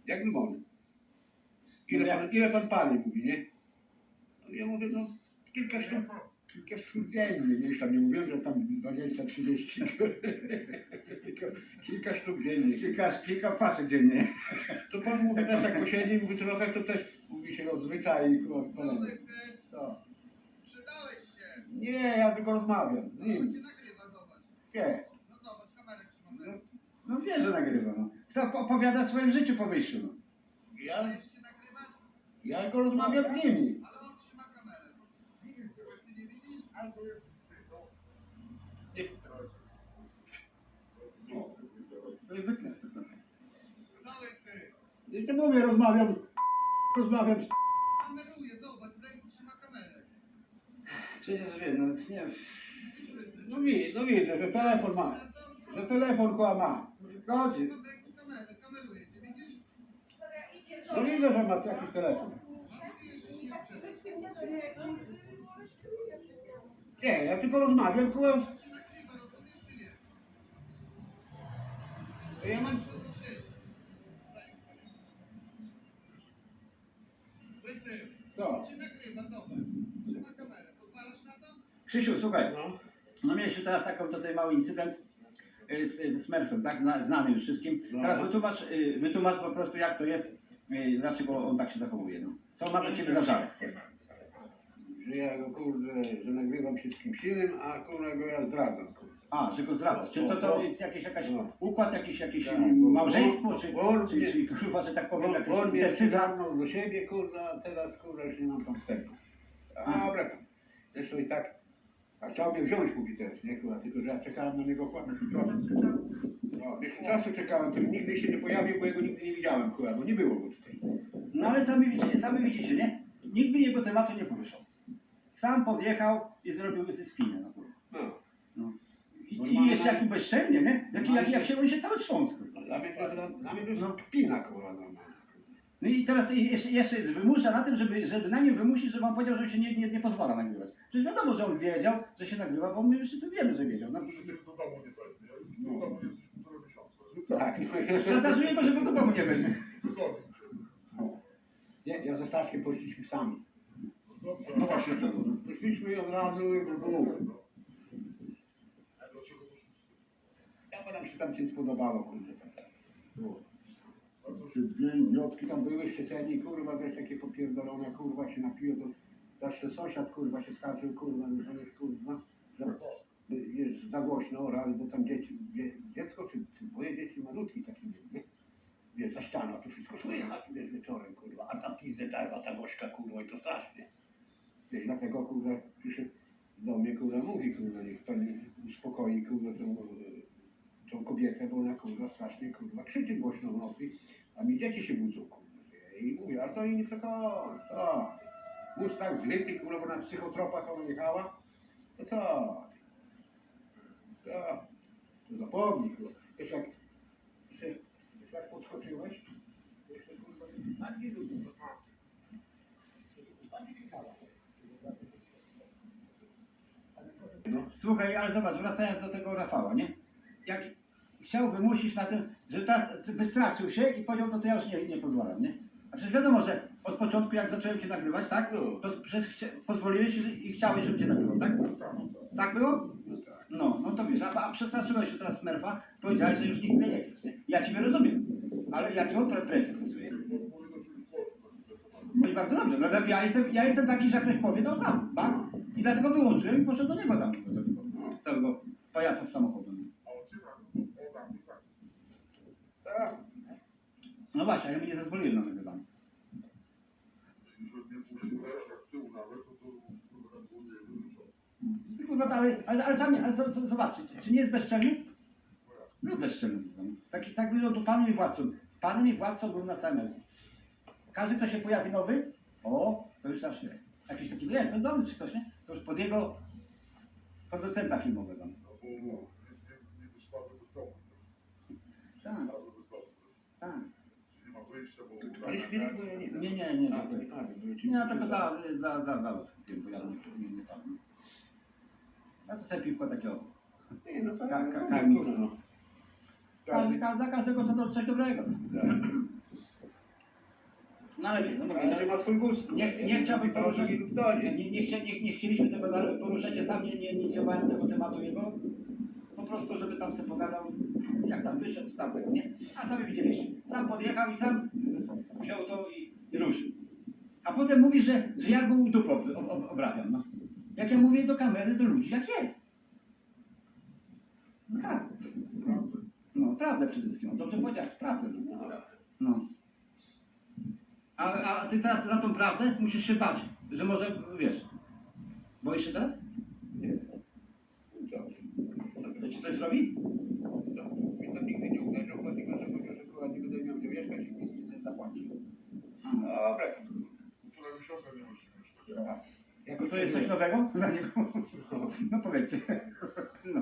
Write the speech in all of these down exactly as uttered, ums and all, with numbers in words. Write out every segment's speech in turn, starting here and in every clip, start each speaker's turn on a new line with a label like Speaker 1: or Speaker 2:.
Speaker 1: Jak wymony. Ile pan, ile pan pali, mówi, nie? No ja mówię, no kilka sztuk, kilka sztuk dziennie, nie? Już tam nie mówiłem, że tam dwadzieścia, trzydzieści. kilka, kilka sztuk dziennie.
Speaker 2: Kilka, kilka paczek dziennie.
Speaker 1: To pan mówi też jak posiedzi, mówi trochę, to też mówi się rozwyczai.
Speaker 3: Przydałeś się.
Speaker 1: To.
Speaker 3: Przydałeś się.
Speaker 1: Nie, ja tylko rozmawiam.
Speaker 3: No
Speaker 1: Nie,
Speaker 3: on cię nagrywa, zobacz.
Speaker 1: nie.
Speaker 3: No zobacz, kamerę trzymam.
Speaker 1: No,
Speaker 2: No wie, że nagrywa. No. Kto opowiada o swoim życiu po wyjściu. No.
Speaker 1: ja,
Speaker 3: Dajesz się nagrywać,
Speaker 1: ja tylko rozmawiam z nimi.
Speaker 3: ale on trzyma kamerę. Ty nie widzisz?
Speaker 2: To jest zwykle.
Speaker 3: Cały syn.
Speaker 1: I to mówię, rozmawiam, rozmawiam z...
Speaker 3: Kameruje, zobacz, w ręku trzyma kamerę.
Speaker 2: Przecież wie, no nie.
Speaker 3: Widzisz, łysy?
Speaker 1: No, wi- no widzę, że telefon ma, że telefon koła ma.
Speaker 2: Chodzi.
Speaker 3: Trzyma w ręku kamerę, kameruje cię, widzisz?
Speaker 1: No widzę, że ma jakiś telefon.
Speaker 3: No mówisz, że się nie sprzeda.
Speaker 1: Nie, ja tylko rozmawiam, koło...
Speaker 3: On cię nagrywa, rozumiesz czy nie?
Speaker 1: To ja mam...
Speaker 3: Masz obok sieci. Łysy,
Speaker 1: Co?
Speaker 3: on cię nagrywa, zobacz. Trzyma kamerę, pozwalasz na to?
Speaker 2: Krzysiu, słuchaj.
Speaker 1: No.
Speaker 2: No mieliśmy teraz taką tutaj mały incydent y, z, ze Smurfem, tak? Zna, znany już wszystkim.
Speaker 1: No.
Speaker 2: Teraz wytłumacz, y, wytłumacz po prostu jak to jest, y, dlaczego on tak się zachowuje. No. Co ma do ciebie za żal?
Speaker 1: Że ja go, kurde, że nagrywam się z kimś innym, a kurde go ja zdradzam, kurde.
Speaker 2: A, że go zdradzasz. Czy to, to jest jakiś jakaś
Speaker 1: No.
Speaker 2: układ, jakiś, jakieś
Speaker 1: Tak,
Speaker 2: mm,
Speaker 1: bo-
Speaker 2: małżeństwo,
Speaker 1: bo-
Speaker 2: czy,
Speaker 1: bo on
Speaker 2: czy,
Speaker 1: mnie-
Speaker 2: czy kurwa, że tak powiem,
Speaker 1: On,
Speaker 2: jakaś
Speaker 1: on mnie
Speaker 2: intercyza?
Speaker 1: przygarnął do siebie, kurde, a teraz, kurde, już nie mam tam wstępu. A dobra tam. Zresztą i tak, a chciał mnie wziąć, mówi teraz, nie, kurwa, tylko że ja czekałem na niego kładę No, miesiąc czasu czekałem, to nigdy się nie pojawił, bo jego nigdy nie widziałem, kurwa, bo nie było go tutaj.
Speaker 2: No ale sami widzicie, sami widzicie, nie? Nikt by jego tematu nie poruszał. Sam podjechał i zrobił ze spinę. No, kurwa.
Speaker 1: No.
Speaker 2: No. I, I jeszcze jaki bezczelnie, nie? Jaki, jak, jak się on się cały trząsł. kurwa.
Speaker 1: Dla mnie to jest, dla mnie to jest
Speaker 2: No.
Speaker 1: kpina, kurwa, normalna.
Speaker 2: No i teraz to jeszcze, jeszcze wymusza na tym, żeby, żeby na nim wymusić, żeby on powiedział, że się nie, nie, nie pozwala nagrywać. Przecież wiadomo, że on wiedział, że się nagrywa, bo my wszyscy wiemy, że wiedział. No,
Speaker 4: Że cię do domu nie weźmie. Ja już w domu jesteś półtora miesiąca.
Speaker 1: Tak.
Speaker 2: szantażuje go, żeby go do domu nie weźmie.
Speaker 4: Wygodnie się.
Speaker 1: Nie, ja ze Staszkiem poszliśmy sami.
Speaker 4: Dobrze,
Speaker 2: No właśnie tego. No.
Speaker 1: Poszliśmy i od razu i było.
Speaker 4: dlaczego poszliście?
Speaker 1: Ja nam się tam się spodobało, kurde. Było.
Speaker 4: A co się
Speaker 1: Czy dwie idiotki tam były szczeceni, kurwa, też takie popierdolone, kurwa, się napiło, to zawsze sąsiad, kurwa, się skarżył, kurwa, że to jest, kurwa, że jest za głośno, raz, bo tam dzieci, dzie, dziecko, czy, czy dwoje dzieci malutki takie były, nie? Wiesz, za ścianą, to wszystko słychać, wiesz, wieczorem, kurwa, a ta pizdę, a ta gośka, kurwa, i to strasznie. Wiesz, dlatego, kurwa, przyszedł do mnie, kurwa, mówi, kurwa, niech pani uspokoi, kurwa, tą, e, tą kobietę, bo ona, kurwa, strasznie, kurwa, krzyczy głośno w nocy, a mi dzieci się budzą, kurwa. I mówię, a to jej nie przekonać, tak. Mózg tak zryty, kurwa, bo na psychotropach ona jechała, to co? Tak, to zapomnij, kurwa. Wiesz jak, jeszcze, wiesz jak podskoczyłeś? Jeszcze, kurwa, bardziej lubię.
Speaker 2: Słuchaj, ale zobacz, wracając do tego Rafała, nie? Jak chciał wymusić na tym, że teraz wystraszył się i powiedział, no to ja już nie, nie pozwalam, nie? A przecież wiadomo, że od początku jak zacząłem cię nagrywać, tak? To przez, chcia- pozwoliłeś i chciałeś, żebym cię nagrywał, tak? Tak było?
Speaker 1: No tak.
Speaker 2: No, no to wiesz, a, a przestraszyłeś się teraz Smurfa, powiedziałeś, że już nikt mnie nie chcesz, nie? Ja ciebie rozumiem, ale jakie on pre- presję stosuje?
Speaker 4: powinno się już włożyć.
Speaker 2: No i bardzo dobrze, no, ja, jestem, ja jestem taki, że jak ktoś powie, no tam, tak? I dlatego wyłączyłem i poszedłem do niego tam, do tego całego pajasa z samochodem.
Speaker 4: A on cię nagrywa. O, tak, to tak.
Speaker 1: Tak.
Speaker 2: No właśnie, a ja mi nie zezwoliłem na nagrywanie.
Speaker 4: Jeżeli mnie puściłeś, jak w tył nawet, to to kurwa było nie wyruszone.
Speaker 2: Tylko, ale, ale, ale, sami, ale z- z- zobaczcie, czy nie jest bezczelny? No jest bezczelny. Taki, tak wyglądał tu panem i władcą. Panem i władcą był na samym. Każdy, kto się pojawi nowy, o, to już zawsze jakiś taki, nie, to dobry czy ktoś, nie? To już pod jego producenta filmowego.
Speaker 4: No bo nie, nie, nie wyszłaby do sobą.
Speaker 2: Tak,
Speaker 4: Słaby do sobą.
Speaker 2: tak.
Speaker 4: Czyli nie ma wyjścia, bo...
Speaker 1: Ale śmierć, bo ja nie wiem.
Speaker 2: Nie, nie, nie.
Speaker 1: A,
Speaker 2: tak.
Speaker 1: to nie pali, bo ja ci-
Speaker 2: Nie, ja tylko dla, dla, dla, dla was kupiłem, bo ja nie, nie, nie tam. Ja to sobie piwko takiego.
Speaker 1: Nie, no tak,
Speaker 2: Ka- ka-
Speaker 1: no,
Speaker 2: karmi.
Speaker 1: kurwa, no.
Speaker 2: Każdy, ka- dla każdego co do, coś dobrego.
Speaker 1: Tak.
Speaker 2: No ale wie, no mówię,
Speaker 1: Każdy ma swój gust.
Speaker 2: nie, nie chciałbym
Speaker 1: to
Speaker 2: poruszać,
Speaker 1: lub to, nie?
Speaker 2: nie, nie, chcia, nie, nie chcieliśmy tego dalej poruszać, ja sam nie, nie inicjowałem tego tematu jego, po prostu, żeby tam sobie pogadał, jak tam wyszedł, tam tego, nie? A sami widzieliście, sam podjechał i sam wziął to i, i ruszył. A potem mówi, że, że ja go u dupy ob, ob, obrabiam, no. Jak ja mówię do kamery, do ludzi, jak jest. No tak.
Speaker 4: Prawda.
Speaker 2: No, prawdę przede wszystkim. No, dobrze powiedziałeś, prawdę. No. A, a ty teraz za tą prawdę musisz się bać, że może, wiesz, boisz się teraz?
Speaker 1: Nie. Co?
Speaker 2: To ci coś robi?
Speaker 1: To mi to nigdy nie uderzył, dlatego że powiedział, że kurwa nie będę miał gdzie mieszkać i mi nic nie zapłaci. Dobra.
Speaker 4: Która mi siostra nie musi mieszkać.
Speaker 1: Jakoś
Speaker 2: To jest coś nowego dla niego? No powiedzcie. No.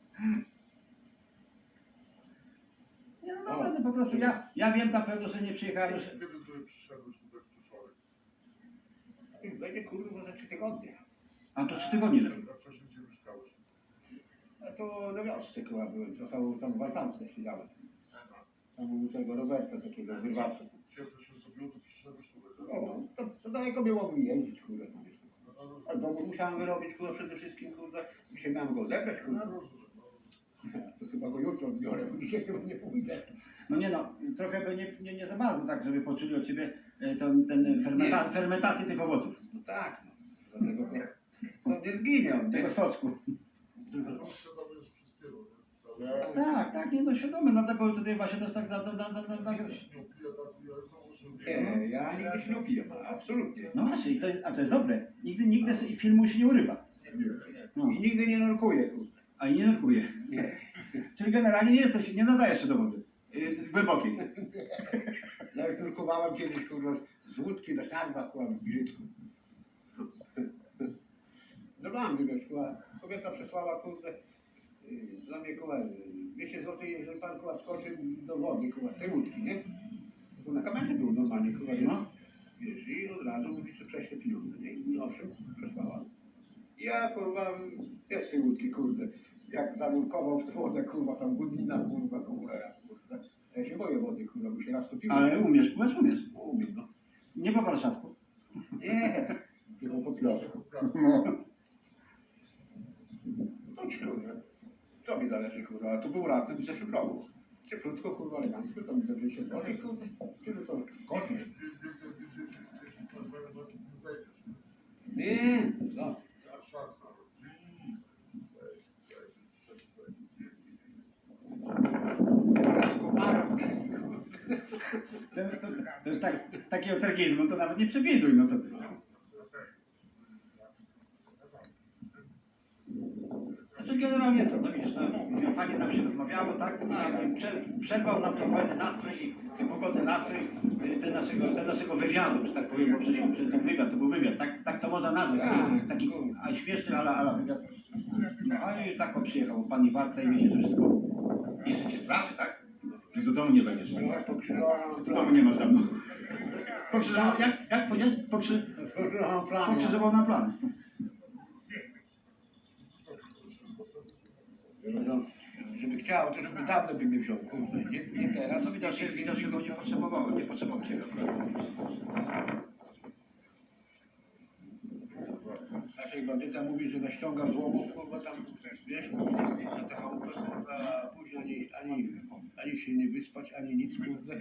Speaker 2: Nie, no naprawdę, po prostu ja, ja wiem na pewno, że nie przyjechałem, że...
Speaker 4: Kiedy tutaj przyszedłeś tutaj w Czeszorek?
Speaker 1: Będzie kurwa za trzy tygodnie.
Speaker 2: A to trzy tygodnie.
Speaker 4: A wcześniej gdzie mieszkałeś?
Speaker 1: A to na wiosce chyba byłem, trochę tam w altance siedziałem. Tam u tego Roberta takiego wyrwacza.
Speaker 4: Ciepło się zrobiło, to przyszedłeś tutaj, tak?
Speaker 1: O, to, to daleko było mi jeździć, kurde. tam jest.
Speaker 4: No, no, rozumiem.
Speaker 1: A domu musiałem wyrobić, kurde, przede wszystkim, kurde. Dzisiaj miałem go odebrać,
Speaker 4: No,
Speaker 1: kurde.
Speaker 4: rozumiem. No.
Speaker 1: To chyba go jutro biorę, bo dzisiaj chyba nie pójdę.
Speaker 2: No nie no, trochę by nie, nie, nie za bardzo tak, żeby poczuli od ciebie e, ten, ten fermenta,
Speaker 1: Nie.
Speaker 2: fermentację tych owoców.
Speaker 1: No tak, no. Dlatego to, to nie zginie on, nie?
Speaker 2: Tego soczku.
Speaker 4: No, świadomy jest wszystkiego, nie? Cały czas.
Speaker 2: Tak, tak, nie no świadomy, dlatego tutaj właśnie też tak... Da, da, da, da, da,
Speaker 4: Nie pije, tak pije, są uszczędliwe.
Speaker 1: Nie, ja nigdy się nie piję, absolutnie.
Speaker 2: no właśnie, i to jest, a to jest dobre. Nigdy, nigdy z filmu się nie urywa. No.
Speaker 1: I nigdy nie nurkuję, kurde.
Speaker 2: A i nie nurkuje.
Speaker 1: Nie.
Speaker 2: Czyli generalnie nie jesteś, nie nadajesz się do wody. Yy, głębokiej.
Speaker 1: Ja już nurkowałem kiedyś, kurde, z łódki na siadła, kurde, w Brzydku. No mam, wiesz, kurde, kobieta przesłała, kurde, yy, dla mnie, kurde, dwieście złotych, jeżeli pan, kurde, skoczy do wody, kurde, z tej łódki, nie? To na kamerze był normalnie, kurde,
Speaker 2: No.
Speaker 1: wiesz, i od razu mówi, że prześlę pieniądze, nie? I owszem, przesłała. Ja, kurwa, jest z tej łódki, kurde, jak zanurkował w tę wodę, kurwa, tam godlina, kurwa, kurwa, kurwa. Ja się boję wody, kurwa, bo się raz topiłem.
Speaker 2: Ale umiesz pływać, umiesz.
Speaker 1: Umiem, no.
Speaker 2: Nie po warszawsku.
Speaker 1: Nie, tylko po piosku.
Speaker 2: No.
Speaker 1: No kurwa, co mi zależy, kurwa, a to był latem w zeszłym roku. Cieplutko, kurwa, elegancko, to mi do się tworzy, kurwa, tyle to koszy.
Speaker 4: Więcej, więcej, więcej, więcej, więcej, nie zejdziesz.
Speaker 1: Nie, co?
Speaker 4: Jak szansa. Zejdź, zejdź, zejdź, zejdź.
Speaker 1: Skuwarem przyjdzie,
Speaker 2: To, to, to już tak, takiego tergizmu to nawet nie przewiduj, no co ty. Znaczy generalnie co, no widzisz, no, fajnie nam się rozmawiało, tak? I prze, przerwał nam to fajny nastrój i, i pogodny nastrój y, ten naszego, ten naszego wywiadu, że tak powiem, bo przecież, przecież ten wywiad, to był wywiad, tak, tak to można nazwać, taki, taki a śmieszny, ale, ale wywiad. No a i tak o, przyjechał pan Iwarca i myśli, że wszystko, jeszcze cię straszy, tak? Że do domu nie wejdziesz.
Speaker 1: kurwa, pokrzyżowałem
Speaker 2: Do domu nie masz dawno. Pokrzyżował, jak, jak powiedziałeś? Pokrzy,
Speaker 1: Pokrzyżowałem plan.
Speaker 2: pokrzyżował na plany.
Speaker 1: No, żeby chciał, to żeby dawno by mnie wziął, kurde, nie, nie teraz.
Speaker 2: No widocznie, widocznie go nie potrzebowało, nie potrzebował ciebie akurat.
Speaker 1: Naszej bandyta mówi, że naściąga złomów, kurwa, tam, wiesz, na te chałupy, kurwa, a później ani, ani, ani się nie wyspać, ani nic, kurde.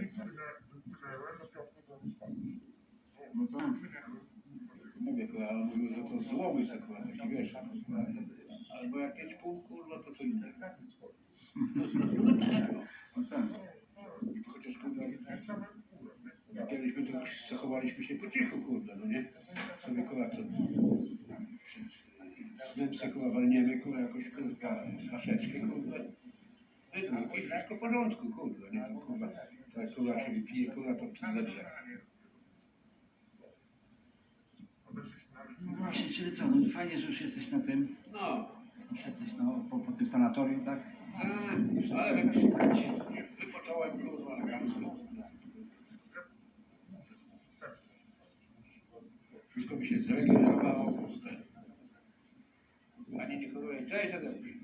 Speaker 2: No to...
Speaker 1: Mówię, kurwa, ale mówię, że to złomy są, kurwa, taki wiesz, kurwa. Albo jak pięć pół, kurwa, to co innego. No, no tak, no.
Speaker 2: No tak.
Speaker 1: Chociaż, kurwa, kiedyś my tu zachowaliśmy się po cichu, kurde, no nie? Sobie, kurwa, to... Z sobie, kurwa, walniemy, kurwa, jakoś, kurwa, flaszeczkę, kurde. Wydmuch i wszystko w porządku, kurde, nie? To, kurwa, to jak, kurwa, się wypije, kurwa, to pije lepsze.
Speaker 2: No właśnie, czyli co, no fajnie, że już jesteś na tym,
Speaker 1: No,
Speaker 2: już jesteś no, po, po tym sanatorium, tak?
Speaker 1: tak, ale
Speaker 2: już się kręci.
Speaker 1: wypocząłem, kurwa, elegancko. Wszystko mi się zregenerowało, kurde. Ani nie choruje. Cześć, Tadeusz.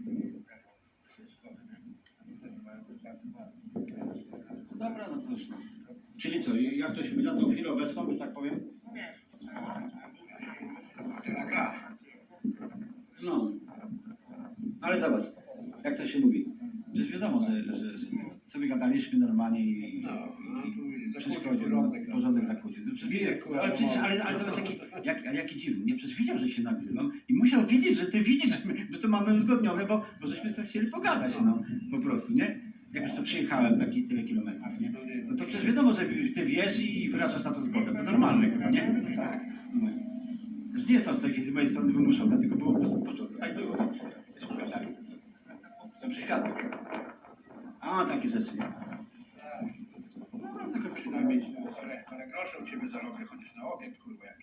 Speaker 2: Dobra, no cóż, no. Czyli co, jak to się będzie na tą chwilę obecną, że tak powiem?
Speaker 1: Teraz gra.
Speaker 2: No. Ale zobacz, jak to się mówi. Przecież wiadomo, że, że, że sobie gadaliśmy normalnie i
Speaker 1: No, no tu
Speaker 2: przeszkodził,
Speaker 1: porządek.
Speaker 2: no, porządek zakłócił. To przecież-
Speaker 1: Wieku,
Speaker 2: ale,
Speaker 1: ale
Speaker 2: przecież,
Speaker 1: mało.
Speaker 2: ale, ale zobacz, jaki, jak, ale jaki dziwny. Nie, przecież widział, że się nagrywam i musiał wiedzieć, że ty widzisz, że, my, że to mamy uzgodnione, bo, bo żeśmy sobie chcieli pogadać, no. Po prostu, nie? Jak już to przyjechałem, taki tyle kilometrów, nie? No to przecież wiadomo, że ty wiesz i wyrażasz na to zgodę. To normalne chyba, nie? No. Też nie jest to coś z mojej strony wymuszone, tylko było po prostu od początku. Tak było, nie? Żeśmy gadali. Jestem przy świadku. A, takie rzeczy, nie? No, tylko sobie
Speaker 1: Trzeba mieć parę, parę groszy od ciebie zarobię, chociaż na obiekt, kurwa, jak